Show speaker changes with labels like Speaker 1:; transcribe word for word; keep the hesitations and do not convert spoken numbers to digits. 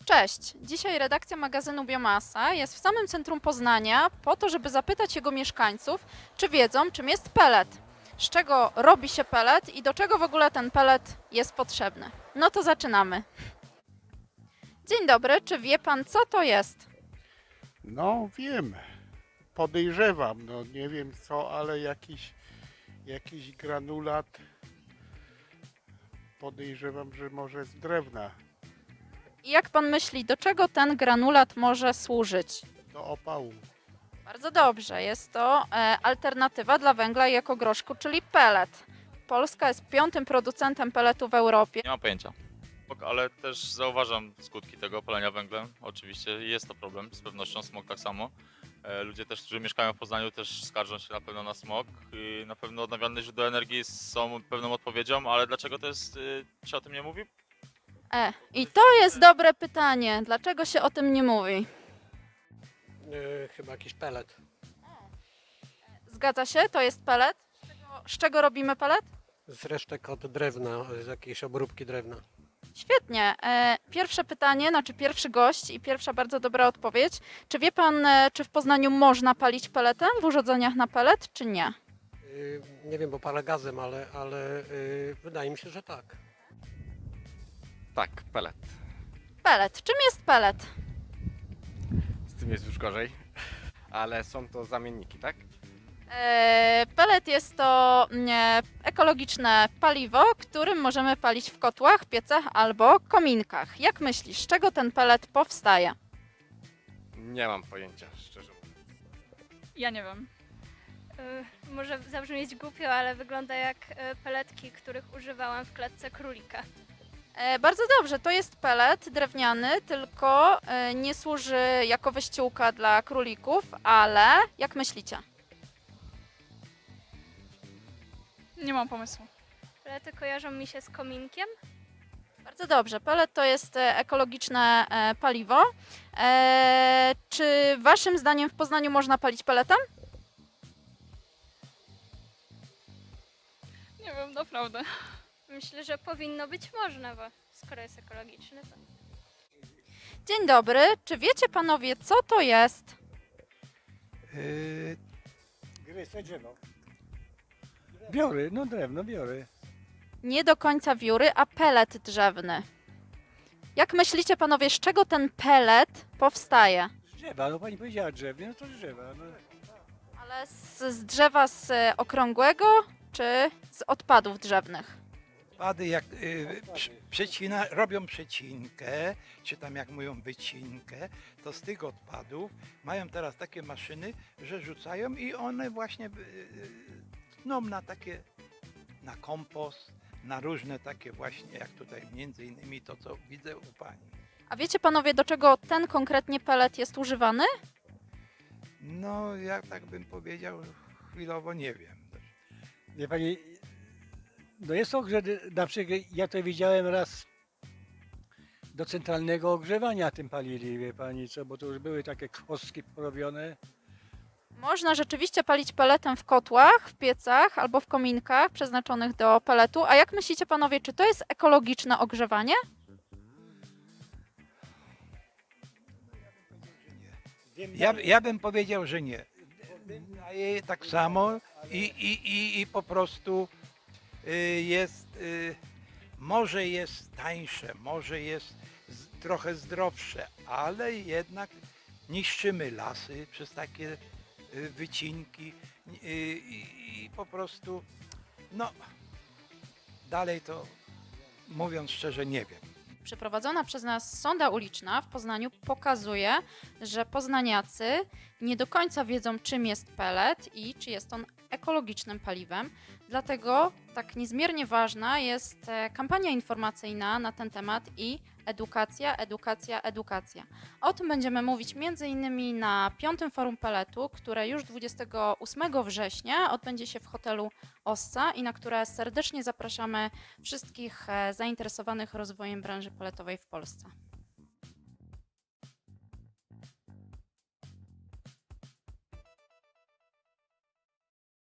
Speaker 1: Cześć! Dzisiaj redakcja magazynu Biomasa jest w samym centrum Poznania po to, żeby zapytać jego mieszkańców, czy wiedzą, czym jest pelet, z czego robi się pelet i do czego w ogóle ten pelet jest potrzebny. No to zaczynamy. Dzień dobry, czy wie pan, co to jest?
Speaker 2: No wiem, podejrzewam, no nie wiem co, ale jakiś, jakiś granulat podejrzewam, że może z drewna
Speaker 1: I jak pan myśli, do czego ten granulat może służyć?
Speaker 2: do opału.
Speaker 1: Bardzo dobrze, jest to e, alternatywa dla węgla i ekogroszku, czyli pelet. Polska jest piątym producentem peletu w Europie.
Speaker 3: Nie mam pojęcia. Ale też zauważam skutki tego palenia węglem. Oczywiście jest to problem, z pewnością smog tak samo. E, Ludzie też, którzy mieszkają w Poznaniu, też skarżą się na pewno na smog i na pewno odnawialne źródła energii są pewną odpowiedzią, ale dlaczego to jest, y, się o tym nie mówi?
Speaker 1: E, I to jest dobre pytanie. Dlaczego się o tym nie mówi?
Speaker 4: Yy, chyba jakiś pelet.
Speaker 1: Zgadza się, to jest pelet. Z czego, z czego robimy pelet?
Speaker 4: Z resztek od drewna, z jakiejś obróbki drewna.
Speaker 1: Świetnie. E, pierwsze pytanie, znaczy pierwszy gość i pierwsza bardzo dobra odpowiedź. Czy wie pan, e, czy w Poznaniu można palić peletem w urządzeniach na pelet, czy nie?
Speaker 4: Yy, nie wiem, bo palę gazem, ale, ale yy, wydaje mi się, że tak.
Speaker 5: Tak, pelet.
Speaker 1: Pelet. Czym jest pelet?
Speaker 5: Z tym jest już gorzej. Ale są to zamienniki, tak?
Speaker 1: E, Pelet jest to mm, ekologiczne paliwo, którym możemy palić w kotłach, piecach albo kominkach. Jak myślisz, z czego ten pelet powstaje?
Speaker 5: Nie mam pojęcia, szczerze mówiąc.
Speaker 6: Ja nie wiem.
Speaker 7: Y, Może zabrzmieć głupio, ale wygląda jak y, peletki, których używałam w klatce królika.
Speaker 1: E, Bardzo dobrze, to jest pelet drewniany, tylko e, nie służy jako wyściółka dla królików, ale jak myślicie?
Speaker 6: Nie mam pomysłu.
Speaker 7: Pelety kojarzą mi się z kominkiem.
Speaker 1: Bardzo dobrze, pelet to jest e, ekologiczne e, paliwo. E, Czy waszym zdaniem w Poznaniu można palić peletem?
Speaker 6: Nie wiem, naprawdę.
Speaker 7: Myślę, że powinno być można, bo skoro jest ekologiczny, to...
Speaker 1: Dzień dobry, czy wiecie panowie, co to jest?
Speaker 8: Yy, Biory, no drewno, biory.
Speaker 1: Nie do końca wióry, a pelet drzewny. Jak myślicie panowie, z czego ten pelet powstaje?
Speaker 8: Z drzewa, no pani powiedziała drzewie, no to z drzewa. No.
Speaker 1: Ale z, z drzewa z e, okrągłego, czy z odpadów drzewnych?
Speaker 9: Pady jak y, przy- przecina, robią przecinkę, czy tam jak mówią wycinkę, to z tych odpadów mają teraz takie maszyny, że rzucają i one właśnie y, y, tną na takie, na kompost, na różne takie właśnie, jak tutaj między innymi to, co widzę u pani.
Speaker 1: A wiecie panowie, do czego ten konkretnie pelet jest używany?
Speaker 9: No, ja tak bym powiedział, chwilowo nie wiem.
Speaker 8: Wie pani, no jest ogrzeb, na przykład ja to widziałem raz do centralnego ogrzewania tym palili, wie pani co, bo to już były takie kostki porobione.
Speaker 1: Można rzeczywiście palić peletem w kotłach, w piecach albo w kominkach przeznaczonych do peletu. A jak myślicie panowie, czy to jest ekologiczne ogrzewanie?
Speaker 9: Ja, ja bym powiedział, że nie. Daje tak samo i, i, i, i po prostu y, jest, y, może jest tańsze, może jest z, trochę zdrowsze, ale jednak niszczymy lasy przez takie y, wycinki y, i, i po prostu, no, dalej to mówiąc szczerze nie wiem.
Speaker 1: Przeprowadzona przez nas sonda uliczna w Poznaniu pokazuje, że poznaniacy nie do końca wiedzą, czym jest pelet i czy jest on ekologicznym paliwem. Dlatego tak niezmiernie ważna jest e, kampania informacyjna na ten temat i edukacja, edukacja, edukacja. O tym będziemy mówić między innymi na piątym Forum Peletu, które już dwudziestego ósmego września odbędzie się w hotelu Ossa i na które serdecznie zapraszamy wszystkich e, zainteresowanych rozwojem branży peletowej w Polsce.